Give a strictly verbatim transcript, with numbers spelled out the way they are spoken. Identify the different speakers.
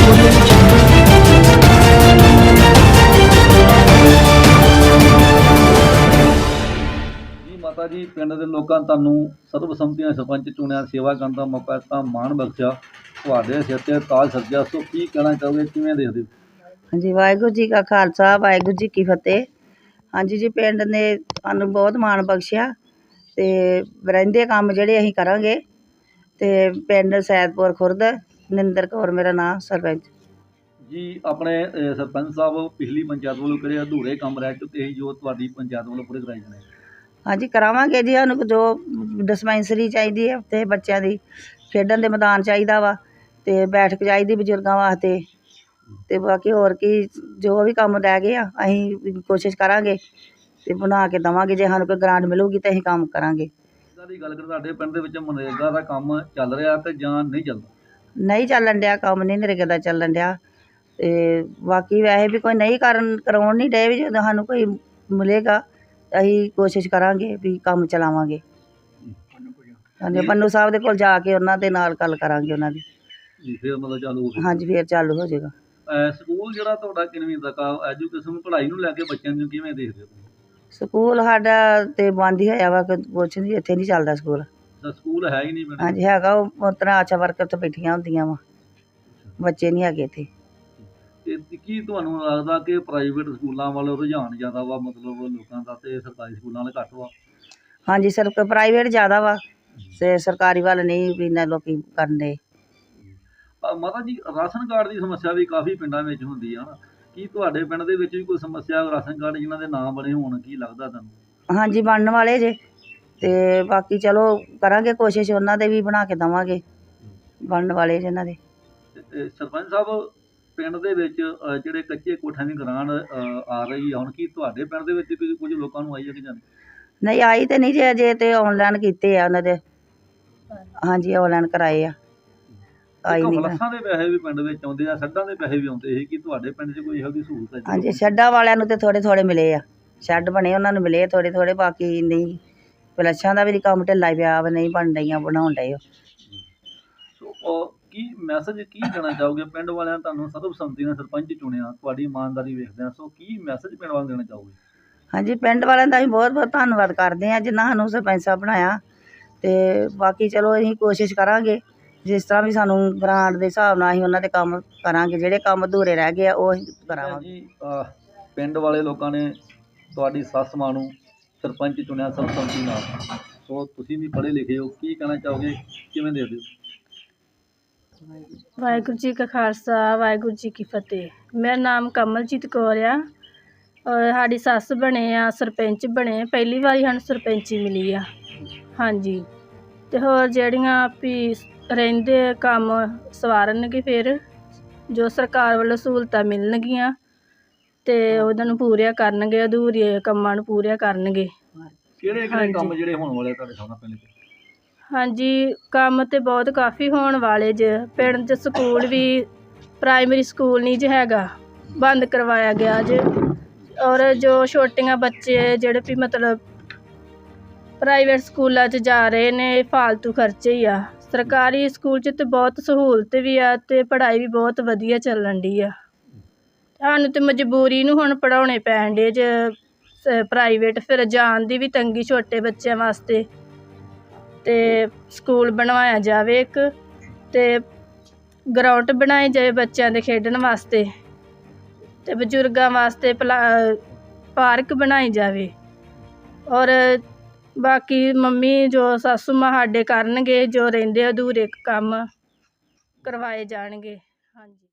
Speaker 1: ਜੀ ਮਾਤਾ ਜੀ, ਪਿੰਡ ਦੇ ਲੋਕਾਂ ਨੇ ਤੁਹਾਨੂੰ ਸਰਬਸੰਮਤੀ ਨਾਲ ਸਰਪੰਚ ਚੁਣਿਆ, ਸੇਵਾ ਕਰਨ ਦਾ ਮੌਕਾ ਦਿੱਤਾ, ਮਾਣ ਬਖਸ਼ਿਆ, ਤੁਹਾਡੇ ਸਿਰ ਤੇ ਤਾਜ ਸੱਜਿਆ। ਸੋ ਕੀ ਕਹਿਣਾ ਚਾਹੋਗੇ, ਕਿਵੇਂ ਦੇਖਦੇ ਹੋ?
Speaker 2: ਹਾਂਜੀ, ਵਾਹਿਗੁਰੂ ਜੀ ਕਾ ਖਾਲਸਾ, ਵਾਹਿਗੁਰੂ ਜੀ ਕੀ ਫਤਿਹ। ਹਾਂਜੀ ਜੀ, ਪਿੰਡ ਨੇ ਸਾਨੂੰ ਬਹੁਤ ਮਾਣ ਬਖਸ਼ਿਆ ਅਤੇ ਰਹਿੰਦੇ ਕੰਮ ਜਿਹੜੇ ਅਸੀਂ ਕਰਾਂਗੇ। ਅਤੇ ਪਿੰਡ ਸੈਦਪੁਰ ਖੁਰਦ, ਨਿੰਦਰ ਕੌਰ ਮੇਰਾ ਨਾਂ, ਸਰਪੰਚ।
Speaker 1: ਜੀ ਆਪਣੇ ਅਹ, ਸਰਪੰਚ ਸਾਹਿਬ ਪਿਛਲੀ ਪੰਚਾਇਤ ਵੱਲੋਂ ਕਿਹੜੇ ਅਧੂਰੇ ਕੰਮ ਰਹਿ ਚੁੱਕੇ ਸੀ ਜੋ ਤੁਹਾਡੀ ਪੰਚਾਇਤ ਵੱਲੋਂ ਪੂਰੇ ਕਰਾਏ ਜਾਣੇ?
Speaker 2: ਹਾਂਜੀ, ਕਰਾਵਾਂਗੇ ਜੀ। ਸਾਨੂੰ ਜੋ ਡਿਸਪੈਂਸਰੀ ਚਾਹੀਦੀ ਹੈ ਅਤੇ ਬੱਚਿਆਂ ਦੀ ਖੇਡਣ ਦੇ ਮੈਦਾਨ ਚਾਹੀਦਾ ਵਾ, ਅਤੇ ਬੈਠਕ ਚਾਹੀਦੀ ਬਜ਼ੁਰਗਾਂ ਵਾਸਤੇ, ਅਤੇ ਬਾਕੀ ਹੋਰ ਕੀ ਜੋ ਵੀ ਕੰਮ ਰਹਿ ਗਏ ਆ ਅਸੀਂ ਕੋਸ਼ਿਸ਼ ਕਰਾਂਗੇ ਅਤੇ ਬਣਾ ਕੇ ਦੇਵਾਂਗੇ। ਜੇ ਸਾਨੂੰ ਕੋਈ ਗ੍ਰਾਂਟ ਮਿਲੂਗੀ ਤਾਂ ਅਸੀਂ ਕੰਮ ਕਰਾਂਗੇ।
Speaker 1: ਇਹਨਾਂ ਦੀ ਗੱਲ ਕਰ, ਤੁਹਾਡੇ ਪਿੰਡ ਦੇ ਵਿੱਚ ਮਨਰੇਗਾ ਦਾ ਕੰਮ ਚੱਲ ਰਿਹਾ ਤੇ ਜਾਂ ਨਹੀਂ ਚੱਲਦਾ?
Speaker 2: ਨਹੀਂ ਚੱਲਣ ਡਿਆ ਕੰਮ, ਨਹੀਂ ਨਰੇਗਾ ਦਾ ਚੱਲਣ ਡਿਆ। ਅਤੇ ਬਾਕੀ ਵੈਸੇ ਵੀ ਕੋਈ ਨਹੀਂ ਕਰਨ ਕਰਾਉਣ ਨਹੀਂ ਡਏ, ਵੀ ਜਦੋਂ ਸਾਨੂੰ ਕੋਈ ਮਿਲੇਗਾ ਅਸੀਂ ਕੋਸ਼ਿਸ਼ ਕਰਾਂਗੇ ਵੀ ਕੰਮ ਚਲਾਵਾਂਗੇ। ਹਾਂਜੀ, ਪੰਨੂ ਸਾਹਿਬ ਦੇ ਕੋਲ ਜਾ ਕੇ ਉਹਨਾਂ ਦੇ ਨਾਲ ਗੱਲ ਕਰਾਂਗੇ ਉਹਨਾਂ ਦੀ।
Speaker 1: ਜੀ, ਫਿਰ ਮਤਲਬ ਚਾਲੂ ਹੋ ਗਿਆ?
Speaker 2: ਹਾਂਜੀ, ਫਿਰ ਚਾਲੂ ਹੋ ਜਾਏਗਾ।
Speaker 1: ਅਹ, ਸਕੂਲ ਜਿਹੜਾ ਤੁਹਾਡਾ ਕਿੰਨਵੀਂ ਤੱਕ ਆ, ਐਜੂਕੇਸ਼ਨ ਪੜ੍ਹਾਈ ਨੂੰ ਲੈ ਕੇ ਬੱਚਿਆਂ ਨੂੰ ਕਿਵੇਂ ਦੇਖਦੇ ਹੋ?
Speaker 2: ਸਕੂਲ ਸਾਡਾ ਤਾਂ ਬੰਦ ਹੀ ਹੋਇਆ ਵਾ, ਕੁਛ ਨਹੀਂ, ਇੱਥੇ ਨਹੀਂ ਚੱਲਦਾ ਸਕੂਲ।
Speaker 1: ਤਾਂ ਸਕੂਲ ਹੈ ਹੀ ਨਹੀਂ ਪਿੰਡ?
Speaker 2: ਹਾਂਜੀ ਹੈਗਾ, ਉਹ ਉਸ ਤਰ੍ਹਾਂ ਆਸ਼ਾ ਵਰਕਰ ਤੋਂ ਬੈਠੀਆਂ ਹੁੰਦੀਆਂ ਵਾ, ਬੱਚੇ ਨਹੀਂ ਹੈਗੇ ਇੱਥੇ।
Speaker 1: ਤੇ ਕੀ ਤੁਹਾਨੂੰ ਲੱਗਦਾ ਕਿ ਪ੍ਰਾਈਵੇਟ ਸਕੂਲਾਂ ਵੱਲ ਰੁਝਾਨ ਜ਼ਿਆਦਾ ਵਾ ਮਤਲਬ ਲੋਕਾਂ ਦਾ, ਤੇ ਸਰਕਾਰੀ ਸਕੂਲਾਂ ਵਾਲੇ ਘੱਟ ਵਾ?
Speaker 2: ਹਾਂਜੀ, ਸਰ ਪ੍ਰਾਈਵੇਟ ਜ਼ਿਆਦਾ ਵਾ ਅਤੇ ਸਰਕਾਰੀ ਵੱਲ ਨਹੀਂ ਵੀ ਇੰਨਾ ਲੋਕ ਕਰਨ ਦੇ।
Speaker 1: ਮਾਤਾ ਜੀ, ਰਾਸ਼ਨ ਕਾਰਡ ਦੀ ਸਮੱਸਿਆ ਵੀ ਕਾਫੀ ਪਿੰਡਾਂ ਵਿੱਚ ਹੁੰਦੀ ਆ ਨਾ, ਕੀ ਤੁਹਾਡੇ ਪਿੰਡ ਦੇ ਵਿੱਚ ਵੀ ਕੋਈ ਸਮੱਸਿਆ ਰਾਸ਼ਨ ਕਾਰਡ ਜਿਨ੍ਹਾਂ ਦੇ ਨਾਮ ਬਣੇ ਹੋਣ, ਕੀ ਲੱਗਦਾ ਤੁਹਾਨੂੰ?
Speaker 2: ਹਾਂਜੀ, ਬਣਨ ਵਾਲੇ ਜੇ, ਅਤੇ ਬਾਕੀ ਚਲੋ ਕਰਾਂਗੇ ਕੋਸ਼ਿਸ਼, ਉਹਨਾਂ ਦੇ ਵੀ ਬਣਾ ਕੇ ਦੇਵਾਂਗੇ, ਬਣਨ ਵਾਲੇ ਜਿਹਨਾਂ ਦੇ।
Speaker 1: ਸਰਪੰਚ ਸਾਹਿਬ, ਪਿੰਡ ਦੇ ਵਿੱਚ ਅਹ, ਜਿਹੜੇ ਕੱਚੇ ਕੋਠਿਆਂ ਦੀ ਗਰਾਂਟ ਅਹ, ਆ ਰਹੀ ਆ ਹੁਣ, ਕੀ ਤੁਹਾਡੇ ਪਿੰਡ ਦੇ ਵਿੱਚ ਵੀ ਕੁਝ ਲੋਕਾਂ ਨੂੰ ਆਈ ਹੈ ਕਿ ਜਾਂ ਨਹੀਂ?
Speaker 2: ਨਹੀਂ ਆਈ ਤਾਂ ਨਹੀਂ ਜੇ, ਅਜੇ ਤਾਂ ਔਨਲਾਈਨ ਕੀਤੇ ਆ ਉਹਨਾਂ ਦੇ। ਹਾਂਜੀ, ਔਨਲਾਈਨ ਕਰਾਏ ਆ, ਆਈ ਨਹੀਂ।
Speaker 1: ਫਲੱਸਾਂ ਦੇ ਪੈਸੇ ਵੀ ਪਿੰਡ ਵਿੱਚ ਆਉਂਦੇ ਆ, ਸੱਡਾਂ ਦੇ ਪੈਸੇ ਵੀ ਆਉਂਦੇ ਸੀ, ਕੀ ਤੁਹਾਡੇ ਪਿੰਡ 'ਚ ਕੋਈ ਇਹੋ ਜਿਹੀ ਸਹੂਲਤ ਹੈ?
Speaker 2: ਹਾਂਜੀ, ਸ਼ੈੱਡਾਂ ਵਾਲਿਆਂ ਨੂੰ ਤਾਂ ਥੋੜ੍ਹੇ ਥੋੜ੍ਹੇ ਮਿਲੇ ਆ, ਸ਼ੈੱਡ ਬਣੇ ਉਹਨਾਂ ਨੂੰ ਮਿਲੇ ਥੋੜ੍ਹੇ ਥੋੜ੍ਹੇ, ਬਾਕੀ ਨਹੀਂ। ਫਲੱਸ਼ਾਂ ਦਾ ਵੀ ਕੰਮ ਢਿੱਲਾ ਪਿਆ ਵਾ, ਨਹੀਂ ਬਣ ਰਹੀਆਂ, ਬਣਾਉਣ ਡਏ ਉਹ।
Speaker 1: ਸੋ ਉਹ ਕੀ ਮੈਸੇਜ ਕੀ ਦੇਣਾ ਚਾਹੋਗੇ? ਪਿੰਡ ਵਾਲਿਆਂ ਨੇ ਤੁਹਾਨੂੰ ਸਰਬਸੰਮਤੀ ਨਾਲ ਸਰਪੰਚ ਚੁਣਿਆ, ਤੁਹਾਡੀ ਇਮਾਨਦਾਰੀ ਵੇਖਦੇ ਆ, ਸੋ ਕੀ ਮੈਸੇਜ ਪਿੰਡ ਵਾਲਿਆਂ ਨੂੰ ਦੇਣਾ ਚਾਹੋਗੇ?
Speaker 2: ਹਾਂਜੀ, ਪਿੰਡ ਵਾਲਿਆਂ ਦਾ ਅਸੀਂ ਬਹੁਤ ਬਹੁਤ ਧੰਨਵਾਦ ਕਰਦੇ ਹਾਂ ਜਿਨ੍ਹਾਂ ਸਾਨੂੰ ਸਰਪੰਚ ਸਾਹਿਬ ਬਣਾਇਆ। ਅਤੇ ਬਾਕੀ ਚਲੋ ਅਸੀਂ ਕੋਸ਼ਿਸ਼ ਕਰਾਂਗੇ, ਜਿਸ ਤਰ੍ਹਾਂ ਵੀ ਸਾਨੂੰ ਗ੍ਰਾਂਟ ਦੇ ਹਿਸਾਬ ਨਾਲ ਅਸੀਂ ਉਹਨਾਂ ਦੇ ਕੰਮ ਕਰਾਂਗੇ, ਜਿਹੜੇ ਕੰਮ ਅਧੂਰੇ ਰਹਿ ਗਏ ਆ ਉਹ ਅਸੀਂ ਕਰਾਵਾਂਗੇ
Speaker 1: ਜੀ, ਅਹ, ਪਿੰਡ ਵਾਲੇ ਲੋਕਾਂ ਨੇ ਤੁਹਾਡੀ ਸੱਸ ਮਾਂ ਨੂੰ ਸਰਪੰਚ ਚੁਣਿਆ ਸਰਬਸੰਮਤੀ ਨਾਲ, ਸੋ ਤੁਸੀਂ ਵੀ ਪੜ੍ਹੇ ਲਿਖੇ ਹੋ, ਕੀ ਕਹਿਣਾ ਚਾਹੋਗੇ, ਕਿਵੇਂ ਦੇਖਦੇ ਹੋ?
Speaker 3: ਵਾਹਿਗੁਰੂ ਜੀ ਕਾ ਖਾਲਸਾ, ਵਾਹਿਗੁਰੂ ਜੀ ਕੀ ਫਤਿਹ। ਮੇਰਾ ਨਾਮ ਕਮਲਜੀਤ ਕੌਰ ਆ, ਔਰ ਸਾਡੀ ਸੱਸ ਬਣੇ ਆ ਸਰਪੰਚ ਬਣੇ, ਪਹਿਲੀ ਵਾਰੀ ਸਾਨੂੰ ਸਰਪੰਚੀ ਮਿਲੀ ਆ। ਹਾਂਜੀ, ਅਤੇ ਹੋਰ ਜਿਹੜੀਆਂ ਵੀ ਰਹਿੰਦੇ ਕੰਮ ਸਵਾਰਨਗੇ, ਫਿਰ ਜੋ ਸਰਕਾਰ ਵੱਲੋਂ ਸਹੂਲਤਾਂ ਮਿਲਣਗੀਆਂ ਅਤੇ ਉਹਨਾਂ ਨੂੰ ਪੂਰੀਆਂ ਕਰਨਗੇ, ਅਧੂਰੇ ਕੰਮਾਂ ਨੂੰ ਪੂਰੀਆਂ ਕਰਨਗੇ।
Speaker 1: ਕਿਹੜੇ ਕਿਹੜੇ ਕੰਮ ਜਿਹੜੇ ਹੋਣ ਵਾਲੇ ਤੁਹਾਡੇ ਸਾਹਮਣੇ ਪਿੰਡ 'ਚ?
Speaker 3: ਹਾਂਜੀ, ਕੰਮ ਤਾਂ ਬਹੁਤ ਕਾਫੀ ਹੋਣ ਵਾਲੇ ਜੇ। ਪਿੰਡ 'ਚ ਸਕੂਲ ਵੀ, ਪ੍ਰਾਇਮਰੀ ਸਕੂਲ ਨਹੀਂ ਜੇ ਹੈਗਾ, ਬੰਦ ਕਰਵਾਇਆ ਗਿਆ ਜੇ। ਔਰ ਜੋ ਛੋਟੀਆਂ ਬੱਚੇ ਜਿਹੜੇ ਵੀ ਮਤਲਬ ਪ੍ਰਾਈਵੇਟ ਸਕੂਲਾਂ 'ਚ ਜਾ ਰਹੇ ਨੇ, ਫਾਲਤੂ ਖਰਚੇ ਹੀ ਆ। ਸਰਕਾਰੀ ਸਕੂਲ 'ਚ ਤਾਂ ਬਹੁਤ ਸਹੂਲਤ ਵੀ ਆ ਅਤੇ ਪੜ੍ਹਾਈ ਵੀ ਬਹੁਤ ਵਧੀਆ ਚੱਲਣ ਡੀ ਆ। ਸਾਨੂੰ ਤਾਂ ਮਜਬੂਰੀ ਨੂੰ ਹੁਣ ਪੜ੍ਹਾਉਣੇ ਪੈਣ ਡੇ ਜੇ ਪ੍ਰਾਈਵੇਟ, ਫਿਰ ਜਾਣ ਦੀ ਵੀ ਤੰਗੀ ਛੋਟੇ ਬੱਚਿਆਂ ਵਾਸਤੇ। ਅਤੇ ਸਕੂਲ ਬਣਵਾਇਆ ਜਾਵੇ ਇੱਕ, ਅਤੇ ਗਰਾਊਂਡ ਬਣਾਈ ਜਾਵੇ ਬੱਚਿਆਂ ਦੇ ਖੇਡਣ ਵਾਸਤੇ, ਅਤੇ ਬਜ਼ੁਰਗਾਂ ਵਾਸਤੇ ਪਲਾ ਪਾਰਕ ਬਣਾਈ ਜਾਵੇ। ਔਰ ਬਾਕੀ ਮੰਮੀ ਜੋ ਸਾਸੂ ਮਾਂ ਸਾਡੇ ਕਰਨਗੇ, ਜੋ ਰਹਿੰਦੇ ਅਧੂਰੇ ਕੰਮ ਕਰਵਾਏ ਜਾਣਗੇ। ਹਾਂਜੀ।